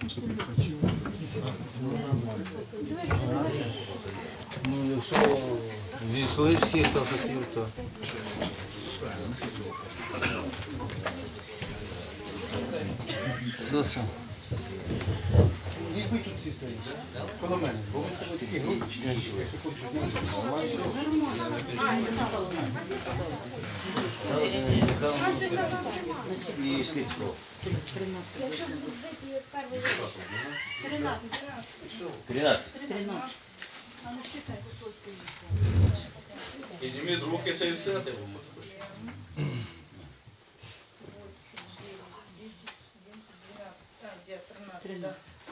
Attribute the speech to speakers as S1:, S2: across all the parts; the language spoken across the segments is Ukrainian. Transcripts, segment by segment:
S1: Ну, якщо війшли всі, хто хотів, то... Що?
S2: Ви тут всі стоїте, коло мене, бо ви себе такі групи.
S1: І Шліцького. 13.
S3: Підніміть руки, це і все.
S4: 13.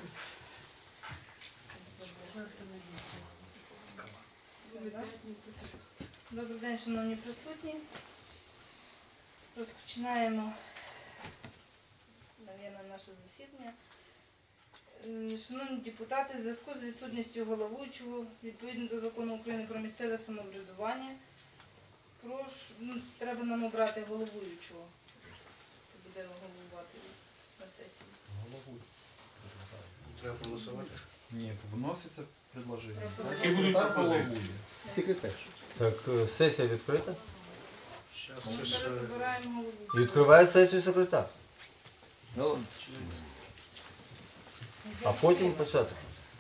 S4: Добрий день, шановні присутні. Розпочинаємо, мабуть, наше засідання. Шановні депутати, в зв'язку з відсутністю головуючого, відповідно до Закону України про місцеве самоврядування, треба нам обрати головуючого, хто буде головувати на сесії.
S2: Треба проголосувати?
S5: Ні, вноситься предложення.
S3: Які будуть пропозиції?
S2: Секретар.
S1: Так, сесія відкрита?
S4: Ми зараз обираємо головуючого.
S1: Відкриває сесію секретар. А потім почати.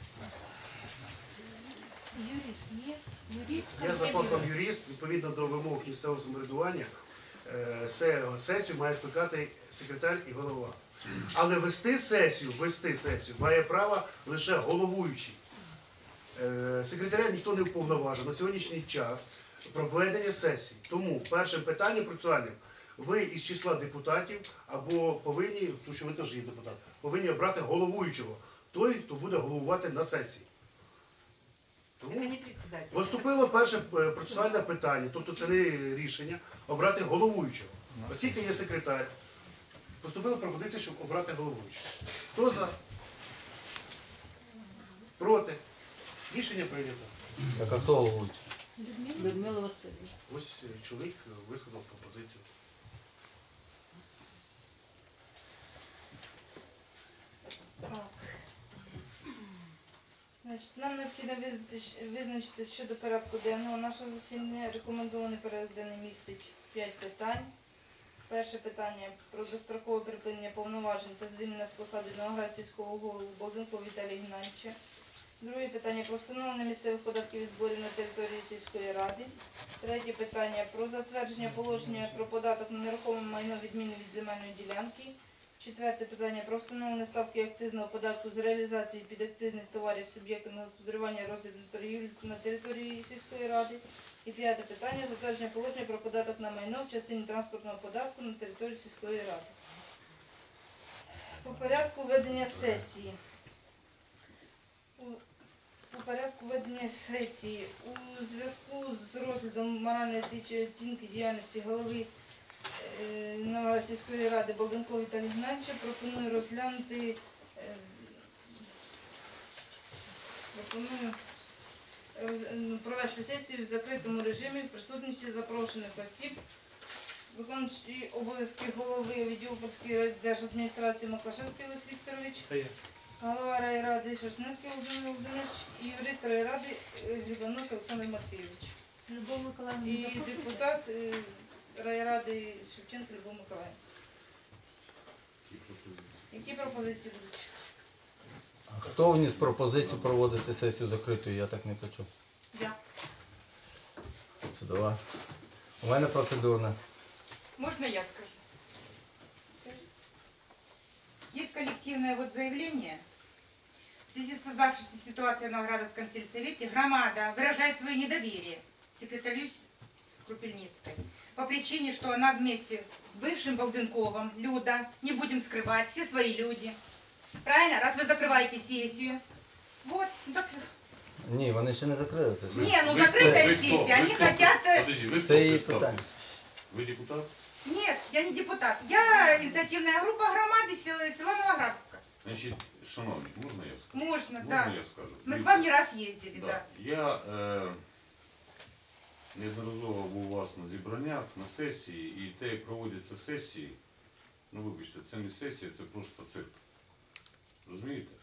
S2: Я за фахом юрист, відповідно до вимог місцевого самоврядування, сесію має скликати секретар і голова. Але вести сесію має право лише головуючий. Секретаря ніхто не вповноважив на сьогоднішній час проведення сесії. Тому першим питанням процесуальним ви із числа депутатів або повинні, тому що ви теж є депутат, повинні обрати головуючого, той, хто буде головувати на сесії. Тому поступило перше процесуальне питання, тобто це не рішення, обрати головуючого. Оскільки є секретар, поступила пропозиція, щоб обрати головуючого. Хто за? Проти? Рішення прийнято.
S1: Так, а хто головуючий?
S4: Людмила Васильівна.
S2: Ось чоловік висказав пропозицію.
S4: Так. Значить, нам необхідно визначити щодо порядку денного нашого засідання. Рекомендований порядок денний містить 5 питань. Перше питання про дострокове припинення повноважень та звільнення з посади Новоград сільського голову Балденкова Віталія Геннадійовича. Друге питання про встановлення місцевих податків і зборів на території сільської ради. Третє питання про затвердження положення про податок на нерухоме майно відміни від земельної ділянки. Четверте питання про встановлення ставки акцизного податку з реалізації підакцизних товарів суб'єктами господарювання, розгляду торгівлі на території сільської ради. І п'яте питання затвердження положення про податок на майно в частині транспортного податку на території сільської ради. По порядку ведення сесії. У порядку ведення сесії у зв'язку з розглядом морально-етичної оцінки діяльності голови Новоград сільської ради Балденкова Віталія Геннадійовича пропоную розглянути провести сесію в закритому режимі в присутності запрошених осіб, виконуючий обов'язки голови відділу Полської держадміністрації Маклашевський Олег Вікторович, голова райради Шерстненський Володимир Володимирович і юрист райради Грибанос Олександр Матвійович. І депутат райради Шевченко Любов Миколаївна. Які пропозиції будуть?
S1: А хто вніс пропозицію проводити сесію закритою? Я так не почув.
S4: Я.
S1: Судова. У мене процедурна.
S6: Можно я скажу? Есть коллективное заявление. В связи с создавшейся ситуацией в Новоградовском сельсовете громада выражает свое недоверие секретарю Крупельницкой по причине, что она вместе с бывшим Балденковым, Люда, не будем скрывать, все свои люди. Правильно? Раз вы закрываете сессию. Вот. Ну так...
S1: Ні, вони ще не закрили це.
S6: Не, ну закрытая сессия, они хотят...
S3: Подожди, ви
S1: Це її
S3: хто
S1: питання.
S3: Ви депутат?
S6: Нет, я не депутат. Я инициативная группа громады села Новоградовка.
S3: Значить, шановні, можна я скажу?
S6: Можно,
S3: Можна
S6: да.
S3: я скажу?
S6: Мы к вам не раз ездили,
S3: Да.
S6: да.
S3: Я неодноразово був у вас на зібраннях, на сесії, і те, як проводяться сесії, ну вибачте, це не сесія, це просто цирк. Розумієте?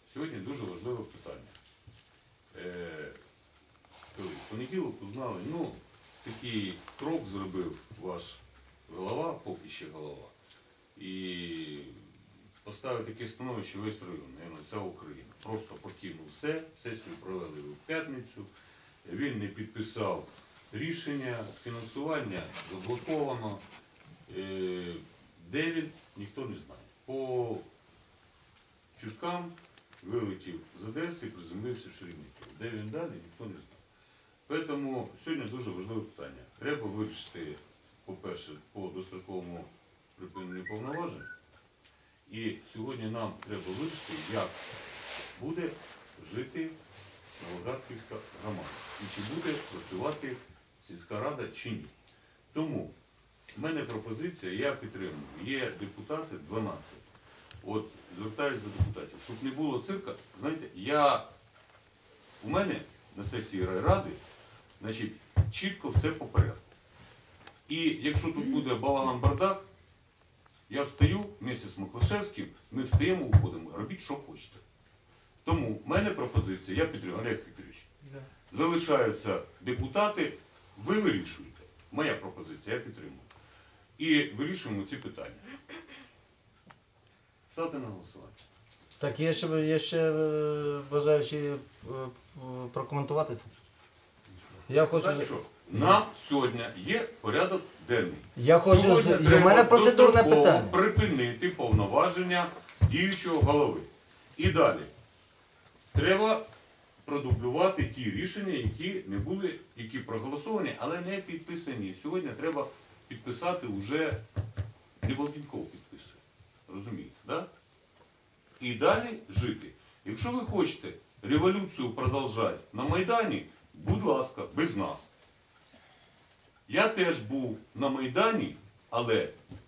S3: сьогодні дуже важливе питання. В понеділок узнали, такий крок зробив ваш голова, поки ще голова, і поставив таке становище весь район, мабуть, вся Україна. Просто покинув все, сесію провели в п'ятницю, він не підписав рішення, фінансування заблоковано. Де він, ніхто не знає. По чуткам вилетів з Одеси і приземлився в Шереметьєво. Де він далі, ніхто не знає. Тому сьогодні дуже важливе питання. Треба вирішити, по-перше, по достроковому припиненню повноважень. І сьогодні нам треба вирішити, як буде жити Новоградківська громада. І чи буде працювати сільська рада, чи ні. Тому в мене пропозиція, я підтримую. Є депутати 12. От звертаюся до депутатів, щоб не було цирка. Знаєте, у мене на сесії райради, значить, чітко все по порядку. І якщо тут буде балаган-бардак, я встаю вместе з Маклашевським, ми встаємо, уходимо, робіть, що хочете. Тому в мене пропозиція, я підтримую, Олег Вікторович, залишаються депутати, ви вирішуєте. Моя пропозиція, я підтримую. І вирішуємо ці питання. Ставте на голосування.
S1: Так, є ще бажаючі прокоментувати це. Я хочу...
S3: Так що, нам сьогодні є порядок денний.
S1: Я хочу...
S3: Сьогодні
S1: У мене
S3: треба
S1: процедурне
S3: достроково
S1: питання.
S3: припинити повноваження діючого голови. І далі. Треба продублювати ті рішення, які проголосовані, але не підписані. Сьогодні треба підписати вже, не Балкінков підписує. Розумієте, так? І далі жити. Якщо ви хочете революцію продовжати на Майдані, будь ласка, без нас. Я теж був на Майдані, але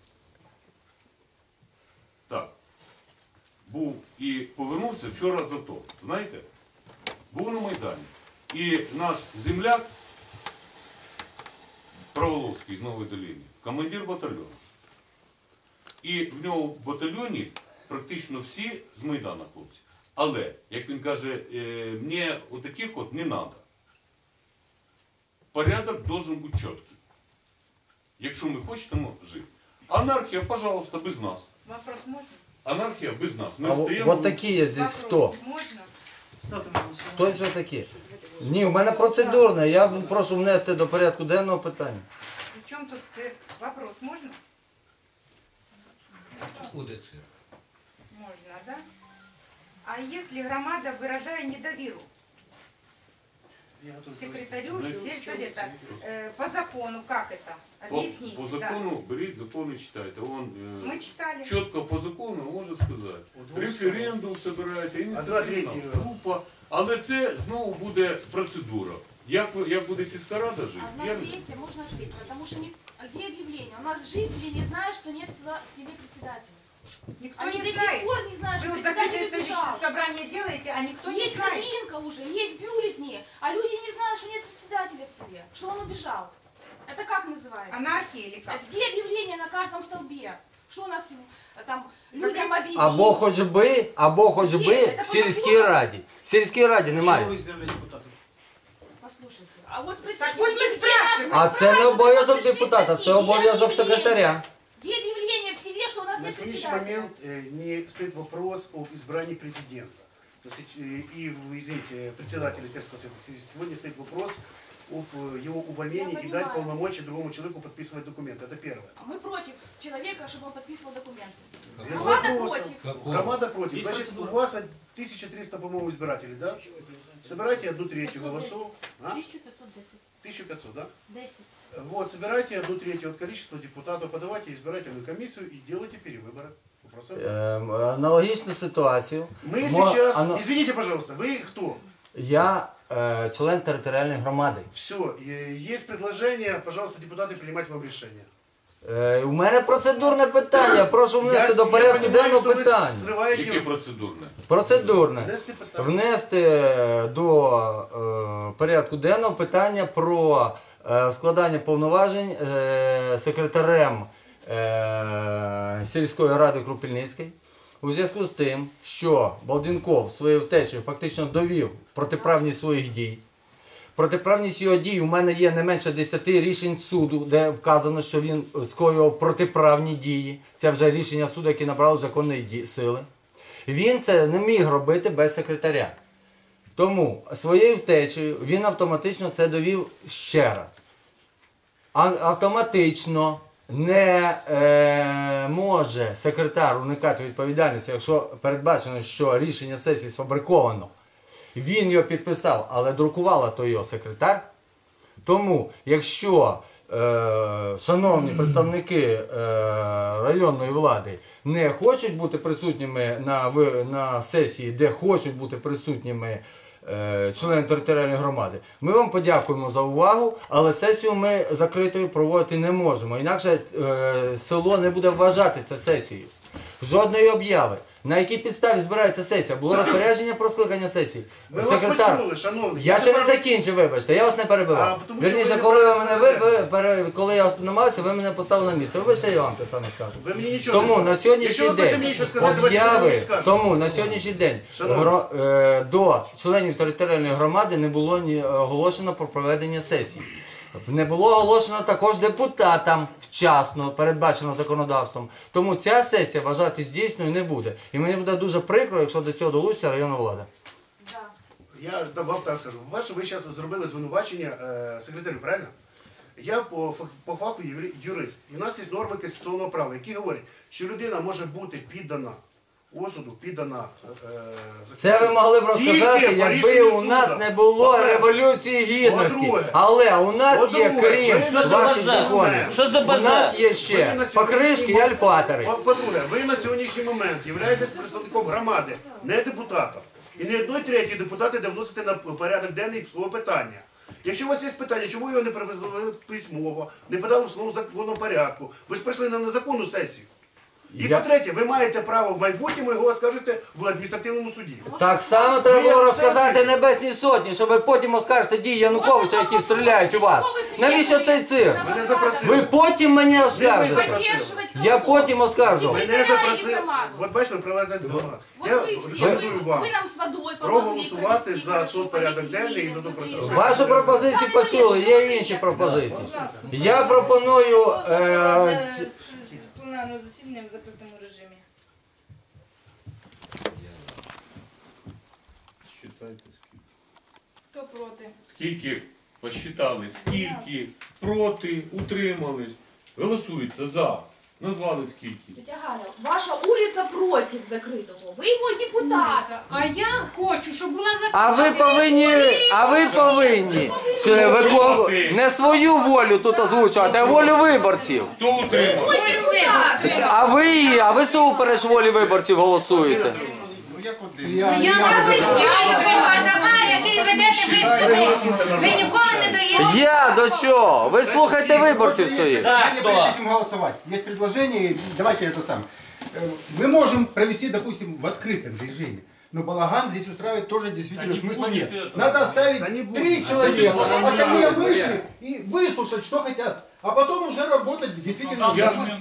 S3: так, був і повернувся вчора з АТО. Знаєте, був на Майдані. І наш земляк Праволовський з Нової Долини, командир батальйону. І в нього в батальйоні практично всі з Майдана хлопці. Але, як він каже, мені отаких от не треба. Порядок должен бути чіткий. Якщо ми хочемо жити. Анархія, пожалуйста, без нас.
S6: Вопрос можно?
S3: Анархія без нас. Ми
S1: А
S3: встаємо...
S1: вот такі є здесь хто?
S6: Вопрос можно?
S1: Хтось ви такі? Ні, у мене процедурне. Я прошу внести до порядку денного питання.
S6: Причем тут цирк? Вопрос можно?
S7: Буде цирк.
S6: Можно, да? А если громада, выражая недоверу
S2: Я тут
S6: секретарю
S3: Знаете,
S6: сельсовета, по закону, как это? Объясните.
S3: По закону, беріть закон і читайте. Он,
S6: Да. Мы читали.
S3: чітко по закону може сказати. Референдум збираєте, ініціативна
S2: третє.
S3: група. Але це знову буде процедура. Як буде сільська рада жити?
S8: А
S3: Я
S8: на
S3: не
S8: 200 можно жить, потому что а где объявление? У нас жители не знают, что нет в селе председателя.
S6: Никто
S8: Они
S6: не
S8: до сих
S6: знает.
S8: пор не знают,
S6: Вы
S8: что
S6: вот
S8: председатель
S6: закрытое
S8: убежал.
S6: собрание делаете, а никто не
S8: Есть
S6: знает.
S8: кабинка уже, есть бюллетни, а люди не знают, что нет председателя в селе, что он убежал. Это как называется?
S6: Анархия или как?
S8: Это где объявление на каждом столбе? Что у нас там людям объявить?
S1: Або хоч би в сільській раді. В сільській раді немає.
S8: Послушайте, а вот спросите,
S6: Так вот
S8: у
S6: не
S8: них где
S6: спрашивай.
S8: наши-
S1: А це не обов'язок
S8: Пришли
S1: депутата,
S8: спросить,
S1: це обов'язок
S8: где объявление?
S1: секретаря.
S8: Где объявление в селе, что у нас
S2: На
S8: нет
S2: сегодняшний
S8: председателя?
S2: момент не стоит вопрос об избрании президента. И, извините, председателя сельского совета. Сегодня стоит вопрос об его увольнении
S8: Я
S2: и дать
S8: понимаю.
S2: полномочия другому человеку подписывать документы. Это первое.
S8: А мы против человека, чтобы он подписывал документы.
S2: Без
S8: Громада
S2: вопросов.
S8: против.
S7: Какого?
S2: Громада против. Значит, у вас 1300, по-моему, избирателей, да? Собирайте 1/3 голосов. А?
S8: 1510.
S2: 1500, да?
S8: 10.
S2: Вот, собирайте 1/3 от количества депутатов, подавайте избирательную комиссию и делайте перевыборы.
S1: Аналогічну ситуацію.
S2: Мы
S1: Мо-
S2: сейчас,
S1: ано-
S2: извините, пожалуйста, вы кто?
S1: Я член територіальної громади.
S2: Все, есть предложение, пожалуйста, депутаты, принимать вам решение.
S1: У мене процедурне питання. Прошу внести до порядку
S2: понимаю,
S1: денного
S2: что вы
S1: питання.
S2: срываете...
S3: Яке процедурне?
S1: Процедурне.
S2: Внести питання.
S1: Внести до порядку денного питання про складання повноважень секретарем сільської ради Крупільницької у зв'язку з тим, що Балденков своєю втечею фактично довів протиправність своїх дій. Протиправність його дій у мене є не менше 10 рішень суду, де вказано, що він скоював протиправні дії. Це вже рішення суду, які набрали законної сили. Він це не міг робити без секретаря. Тому своєю втечею він автоматично це довів ще раз. Автоматично не може секретар уникати відповідальності, якщо передбачено, що рішення сесії сфабриковано. Він його підписав, але друкувала то його секретар. Тому, якщо шановні представники районної влади не хочуть бути присутніми на сесії, де хочуть бути присутніми члени територіальної громади, ми вам подякуємо за увагу, але сесію ми закритою проводити не можемо. Інакше село не буде вважати це сесією. Жодної обяви. На якій підставі збирається сесія? Було розпорядження про скликання сесії.
S2: Ми вас почули, шановні.
S1: Я ще не закінчив, вибачте, я вас не перебивав.
S2: тому що
S1: Вірніше,
S2: ви
S1: коли я намагався, ви мене поставили на місце. Вибачте, я вам те саме скажу.
S2: Ви мені нічого
S1: Тому
S2: не
S1: на
S2: скажете.
S1: сьогоднішній
S2: Якщо ви хочете
S1: день
S2: мені щось сказати, давайте ви
S1: обяви,
S2: мені скажете.
S1: тому на сьогоднішній день
S2: Шановні.
S1: до членів територіальної громади не було оголошено про проведення сесії. Не було оголошено також депутатам вчасно, передбачено законодавством. Тому ця сесія вважатись дійсною не буде. І мені буде дуже прикро, якщо до цього долучиться районна влада.
S8: Да.
S2: Я вам так скажу. По-перше, ви зараз зробили звинувачення секретарю, правильно? Я по факту юрист. І в нас є норми конституційного права, які говорять, що людина може бути піддана осуду, піддана...
S1: Це ви могли б розказати, якби у нас не було Революції Гідності.
S2: По-друге.
S1: Але у нас є,
S2: По-друге,
S1: крім
S2: ви на
S1: ваших
S2: базар.
S1: законів,
S7: Що за
S1: у
S7: базар?
S1: нас є
S2: Ви
S1: ще
S2: на
S1: покришки і
S2: сьогоднішній
S1: альфатори.
S2: По-друге, ви на сьогоднішній момент являєтесь представником громади, не депутатом. І не 1/3 депутати де вносите на порядок денний свого питання. Якщо у вас є питання, чому його не привезли письмово, не подали в своєму законному порядку, ви ж прийшли на незаконну сесію. І по-третє, ви маєте право в майбутньому його оскаржити в адміністративному суді.
S1: Так само треба було розказати Небесній Сотні, щоб ви потім оскаржите дії Януковича, які стріляють у вас. Навіщо цей цирк?
S2: Мене запросили.
S1: Ви потім мене оскаржите.
S8: Поддерживать
S1: Я
S8: кого?
S1: потім оскаржу.
S2: Мене запросили. От бачите, ви приладаєте до громади.
S8: Вот
S2: Я
S8: вы все,
S2: рекомендую вам
S8: вы нам с водой помогли
S2: проголосувати
S8: провести,
S2: за
S8: хорошо,
S2: тот порядок
S8: повесили,
S2: денний і за ту
S8: вот
S2: процедуру.
S8: вы
S1: Вашу пропозицію почули, є інші пропозиції. Я пропоную...
S4: Пленарного засідання в закритому режимі.
S3: Считайте скільки.
S4: Хто проти?
S3: Скільки посчитали, скільки проти, утримались. Голосується за. Назвали скільки.
S8: Тетя Галя, ваша улица против закрытого. Вы его депутат.
S6: А я хочу, щоб була
S1: А ви повинні не свою волю тут озвучувати, а волю виборців.
S3: Хто утримав?
S1: А ви супереч волі виборців голосуєте.
S6: Я вас який ведете ви себе. Ви ніколи не даєте.
S1: Я до чого? Ви слухайте виборців своїх.
S7: Так,
S9: Мы не
S7: кто?
S9: хотим голосовать. Есть предложение, давайте это сам. Мы можем провести, допустим, в открытом режиме. Но балаган здесь устраивать тоже действительно смысла нет. Надо оставить
S2: Да не
S9: 3
S2: будет.
S9: человека,
S2: Да не
S9: остальные
S2: будет.
S9: вышли и выслушать, что хотят. А потом уже работать действительно.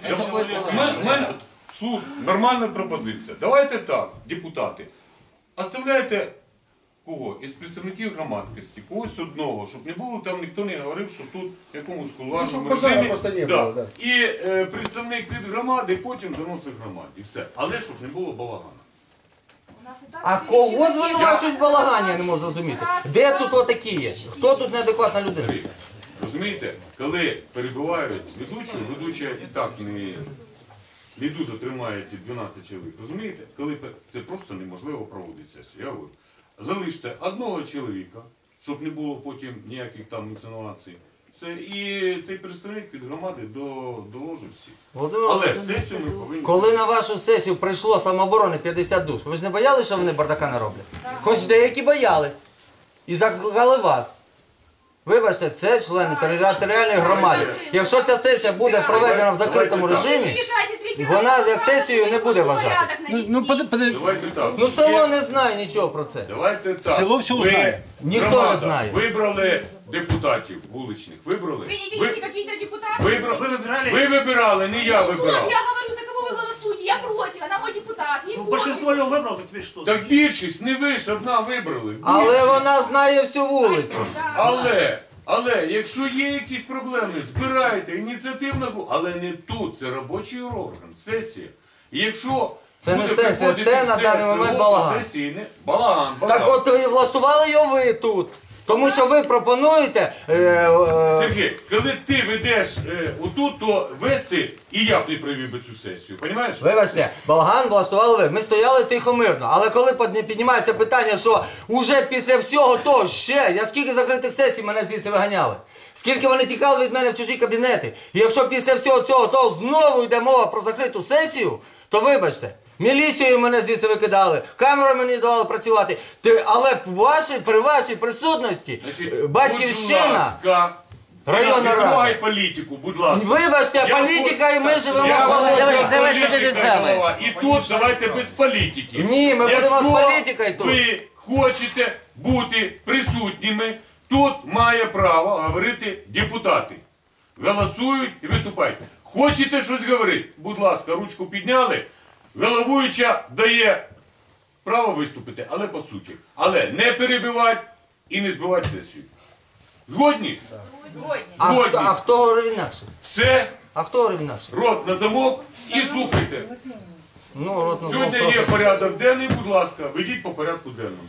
S3: Нормальна пропозиція. Давайте так, депутати. Оставляйте кого? Із представників громадськості, когось одного, щоб не було там, ніхто не говорив, що тут в якомусь кулуарному
S9: щоб базару
S3: режимі.
S9: просто не
S3: Да.
S9: було, да.
S3: І представник від громади потім заносить громаді. І все. Але щоб не було балагану.
S8: У нас и так
S1: А
S8: перечислено
S1: кого звинувачують в балагані, я не можу
S8: раз,
S1: зрозуміти.
S8: раз,
S1: Де
S8: раз,
S1: тут отакі є? Хто тут неадекватна людина?
S3: Розумієте, коли перебувають ведуча і так не дуже тримає ці 12 чоловік. Розумієте? Коли це просто неможливо проводити сесію. Я говорю, залиште одного чоловіка, щоб не було потім ніяких там інсинуацій. Це і цей представник від громади доложить всіх.
S1: Володимир
S3: Але
S1: Володимирович,
S3: сесію ми повинні...
S1: коли на вашу сесію прийшло самооборони 50 душ, ви ж не боялися, що вони бардака не роблять? Хоч деякі боялись. І закликали вас. Вибачте, це члени територіальної громади. Якщо ця сесія буде проведена в закритому режимі, вона як сесію не буде вважати.
S3: Давайте так.
S1: Ну село не знає нічого про це.
S3: Давайте так.
S9: Село все
S3: Ви,
S9: знає.
S1: Ніхто не
S3: громада,
S1: знає.
S3: Вибрали депутатів вуличних. Вибрали?
S8: Вы не видите какие-то депутаты?
S3: Вибрали. Ви вибирали, не я
S8: Вот,
S3: вибирав.
S8: я говорю, за кого вы голосуете. Я против, она мой депутат. Ей
S7: большинство его выбрало, то теперь что?
S3: Так більшість, не ви ж одна вибрали.
S1: Але
S3: Більшість.
S1: вона знає всю вулицю.
S3: Але, якщо є якісь проблеми, збирайте ініціативну групу, але не тут, це робочий орган, сесія. І якщо
S1: Це не
S3: буде
S1: сесія,
S3: приходити
S1: це на
S3: все
S1: даний момент
S3: село,
S1: балаган.
S3: сесії не- балаган.
S1: Так от і влаштували його ви тут. Тому що ви пропонуєте.
S3: Сергій, коли ти ведеш отут, то вести і я б не привів би цю сесію, розумієш?
S1: Вибачте, балаган влаштували ви. Ми стояли тихо мирно. Але коли піднімається питання, що уже після всього того ще, я скільки закритих сесій мене звідси виганяли. Скільки вони тікали від мене в чужі кабінети. І якщо після всього цього того знову йде мова про закриту сесію, то вибачте. Міліцією мене звідси викидали, камерою мені давали працювати. Але при вашій присутності Батьківщина, районна
S3: не
S1: рада.
S3: трогай політику, будь ласка.
S1: Вибачте,
S3: Я
S1: політика і ми живемо
S3: Я
S1: кожного
S3: хочу,
S1: дня.
S3: політика голова. І тут давайте без політики.
S1: Ні, ми будемо з
S3: Якщо
S1: політикою тут.
S3: ви хочете бути присутніми, тут має право говорити депутати. Голосують і виступають. Хочете щось говорити? Будь ласка, ручку підняли. Головуюча дає право виступити, але по суті. Але не перебивати і не збивати сесію. Згодні? Згодні.
S1: А хто говорив інакше?
S3: Все,
S1: А хто говорив інакше?
S3: рот на замок і слухайте.
S1: Ну, рот на
S3: Сьогодні
S1: замок.
S3: є порядок денний, будь ласка, ведіть по порядку денному.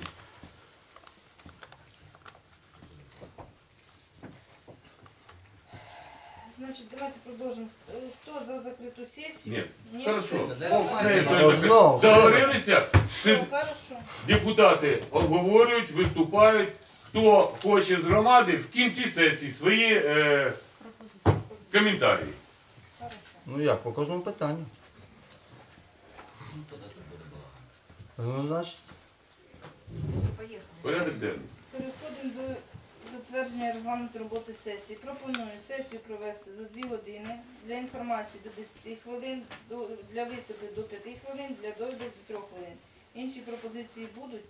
S4: Значить, давайте продовжимо. Хто за закриту сесію?
S3: Ні, хорошо.
S4: Все,
S3: З нею
S1: Ну,
S3: той закрит.
S1: знову,
S3: Договорилися?
S4: хорошо.
S3: Депутати обговорюють, виступають. Хто хоче з громади в кінці сесії свої коментарі.
S1: Ну як, по кожному питанню. Ну, значить.
S3: Порядок денний.
S4: Переходимо до затвердження регламенту роботи сесії. Пропоную сесію провести за 2 години, для інформації до 10 хвилин, для виступів до 5 хвилин, для довідок до 3 хвилин. Інші пропозиції будуть?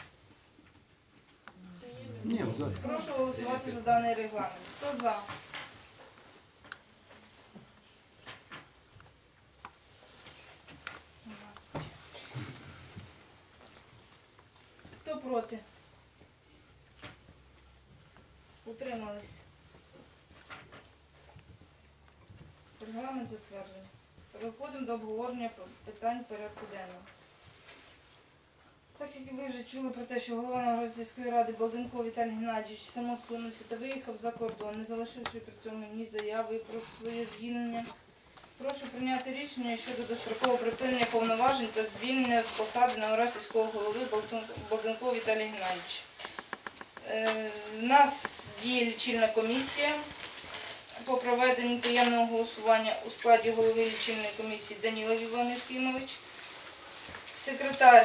S9: Ні,
S4: Прошу голосувати за даний регламент. Хто за? Хто проти? Утримались. Регламент затверджений. Переходимо до обговорення питань порядку денного. Так як ви вже чули про те, що голова Новоград сільської ради Балденко Віталій Геннадійович самосунувся та виїхав за кордон, не залишивши при цьому ні заяви про своє звільнення, прошу прийняти рішення щодо дострокового припинення повноважень та звільнення з посади Новоград сільського голови Балденко Віталія Геннадійовича. У нас діє лічильна комісія по проведенню таємного голосування у складі голови лічильної комісії Данілов Іван Євгенович, секретар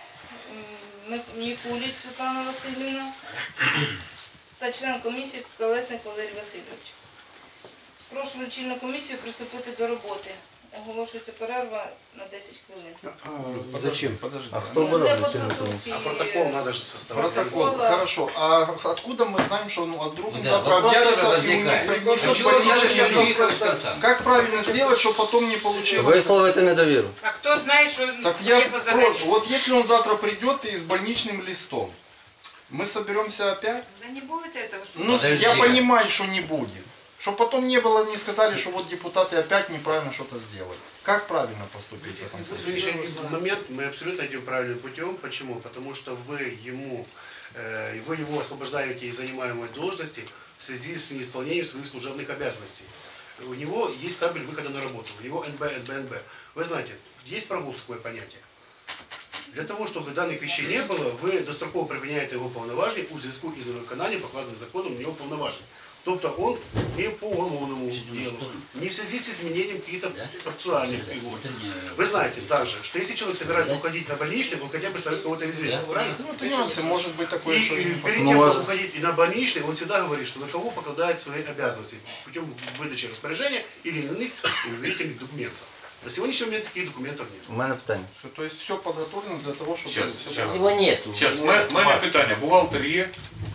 S4: Мікуліч Світлана Васильівна та член комісії Колесник Валерій Васильович. Прошу лічильну комісію приступити до роботи. Оголошується перерва на 10 хвилин.
S9: Зачем? Подожди.
S1: А хто буде
S4: Для
S1: лічильна
S4: подготовки.
S2: А протокол надо же составлять.
S9: Протокол, хорошо. А откуда мы знаем, что вдруг он завтра
S10: вопрос
S9: объявится
S10: тоже
S9: и у них
S10: возникает.
S9: пригнут
S10: Почему надо
S9: больничный
S10: все
S9: лист?
S10: выехать с конца?
S9: Как правильно сделать, чтобы потом не получилось?
S1: Висловити недовіру.
S6: А кто знает, что
S9: Так я
S6: приехал за границу?
S9: просто, вот если он завтра придет и с больничным листом, мы соберемся опять?
S6: Да не будет этого. Что
S9: Ну,
S10: Подожди.
S9: я понимаю, что не будет. Чтобы потом не было, не сказали, что вот депутаты опять неправильно что-то сделали. Как правильно поступить в этом
S2: На
S9: случае?
S2: сегодняшний момент мы абсолютно идем правильным путем. Почему? Потому что вы его освобождаете из занимаемой должности в связи с неисполнением своих служебных обязанностей. У него есть табель выхода на работу, у него НБ, НБ. Вы знаете, есть прогул такое понятие. Для того, чтобы данных вещей не было, вы достроково припиняєте його повноваження у зв'язку із невиконанням покладених законом у нього повноважень. Тобто он не по уголовному делу, не в связи с изменением каких-то процессуальных фигур. Вы знаете также, что если человек собирается уходить на больничный, он хотя бы ставит кого-то в известность, правильно?
S9: Ну, это нюансы, может быть такое, что...
S2: И
S9: не
S2: перед
S9: посмотрим.
S2: тем, как уходить и на больничный, он всегда говорит, что на кого покладает свои обязанности путем выдачи распоряжения или иных уверительных документов. На сегодняшний момент таких документов нет.
S1: У мене питання.
S9: То есть все подготовлено для того, чтобы...
S3: Щас.
S10: Его нету.
S3: Зараз, в мене питання. Бухгалтер є?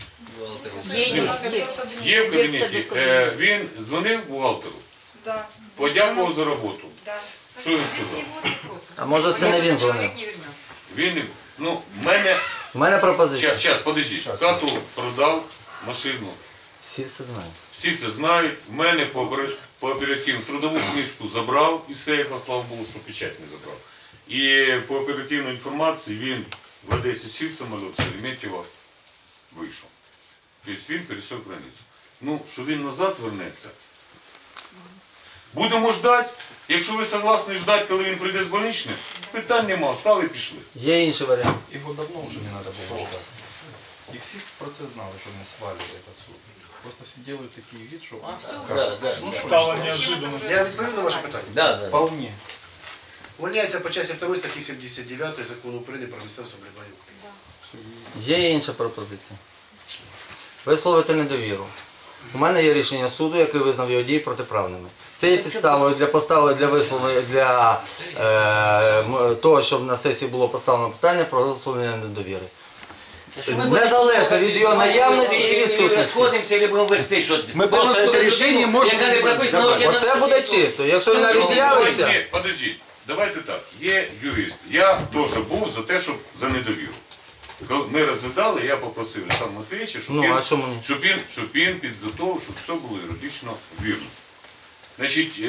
S3: Є в кабінеті. Він дзвонив бухгалтеру?
S4: Да.
S3: Подякував за роботу.
S4: Да.
S3: Що він
S6: Здесь
S3: сказав?
S6: не будет вопросов.
S1: А може це не він
S6: Человек
S1: дзвонив?
S6: не вернется.
S3: Він, ну, мене,
S1: У мене пропозиція.
S3: зараз, подождіть, хату продав, машину.
S1: Всі все знають.
S3: Всі це знають. В мене по оперативну трудову книжку забрав із сейфа, слава Богу, що печать не забрав. І по оперативній інформації він в Одесі сів самоліт, з Шереметьєва вийшов. Тобто він пересек границю. Ну, що він назад вернеться. Будемо ждати. Якщо ви согласні ждати, коли він прийде з больничним, питань нема, стали і пішли.
S1: Є інший варіант.
S5: Его давно уже не надо было ждать. И все про це знали, що не свалили этот суд. Просто все делают такие вид, что
S7: Стало неожиданно.
S2: Я відповів на ваше питання.
S10: Да, да.
S5: вполне.
S2: Увольняється по часті 2 статті 79 Закону України про місцеве самоврядування.
S1: Є інша пропозиція. Висловити недовіру. У мене є рішення суду, який визнав його дії протиправними. Це є підставою для поставлення для висловлення для того, щоб на сесії було поставлено питання про висловлення недовіри. Незалежно від його наявності і відсутності.
S10: Розходимося, або будемо вести, що
S9: Ми просто це рішення можемо...
S10: яка не прописана взагалі на
S1: Оце буде чисто. Якщо він навіть з'явиться,
S3: Ні, подождіть, давайте так. Є юрист. Я теж був за те, щоб за недовіру. Коли ми розглядали, я попросив Олександра Матвійовича, щоб,
S1: Ну, а чому ні?
S3: щоб він підготовив, щоб все було юридично вірно. Значить,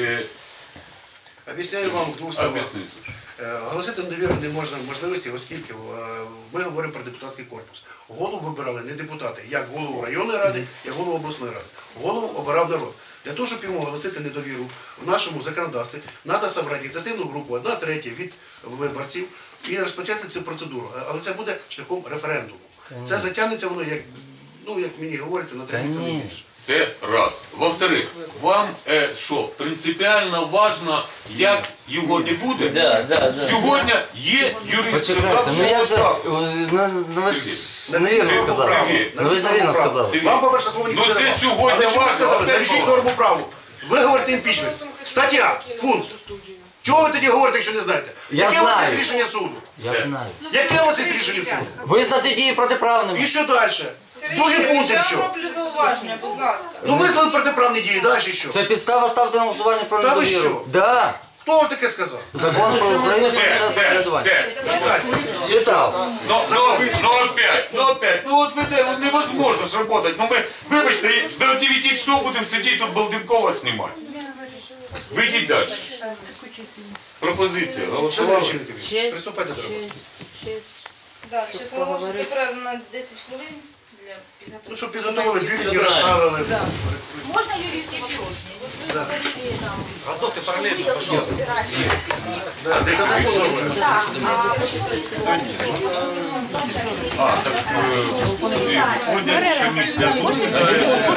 S2: Об'ясняю вам в двох словах.
S3: об'ясніть.
S2: Оголосити недовіру не можна можливості, оскільки ми говоримо про депутатський корпус. Голову вибирали не депутати, як голову районної ради, як голову обласної ради. Голову обирав народ. Для того, щоб йому оголосити недовіру в нашому законодавстві, треба зібрати ініціативну групу, 1/3 від виборців і розпочати цю процедуру. Але це буде шляхом референдуму. Це затягнеться воно, як мені говориться, на 3 місяці не більше.
S3: Це раз. Во-вторых, вам що, принципіально важно, як його не буде?
S10: Да.
S3: Сьогодні є юрист, сказав,
S1: почекайте,
S3: що
S1: ну як же,
S3: так.
S1: ну ви ж невірно сказали.
S3: Сергій,
S1: Ну ви ж невірно сказали.
S3: Сергій,
S2: Вам, по-перше, такого ніхто
S3: ну
S2: не
S3: це
S2: давав.
S3: сьогодні
S2: Але що ви
S3: важно.
S2: сказали? Навіщо норму праву? Ви говорите імпічмент. Стаття, пункт. Чого ви тоді говорите, якщо не знаєте?
S1: Я
S2: Яке у вас є
S1: знаю.
S2: рішення суду?
S1: Я знаю.
S2: Яке у вас є рішення суду?
S1: Визнати дії протиправними.
S2: І що далі? Другий
S4: Сергій,
S2: пункт
S4: я
S2: що?
S4: роблю зауваження, будь ласка.
S2: Ну визнали протиправні дії, далі що?
S1: Це підстава ставити на голосування про
S2: Та ви
S1: недовіру.
S2: що?
S1: Да.
S2: Хто вам таке сказав?
S1: Закон про Україну про місцеве самоврядування. Читав.
S3: Ну опять, от невозможно ж работать. Ну ми, вибачте, до 9 часов будемо сидіти тут Балденкова знімати. Вийдіть далі. Пропозиція.
S2: Шановні Чоловікові, приступайте до роботи.
S4: Да, зараз оголошується перерва на 10 хвилин для
S2: Ну,
S4: підготовки.
S2: щоб підготовили, бюлетені розставили.
S8: Можно юрист вопрос? Вот вы говорили там...
S10: Работы параллельно, пожалуйста.
S2: Да, це закон.
S8: Да, а почему если
S3: Сьогодні комісія.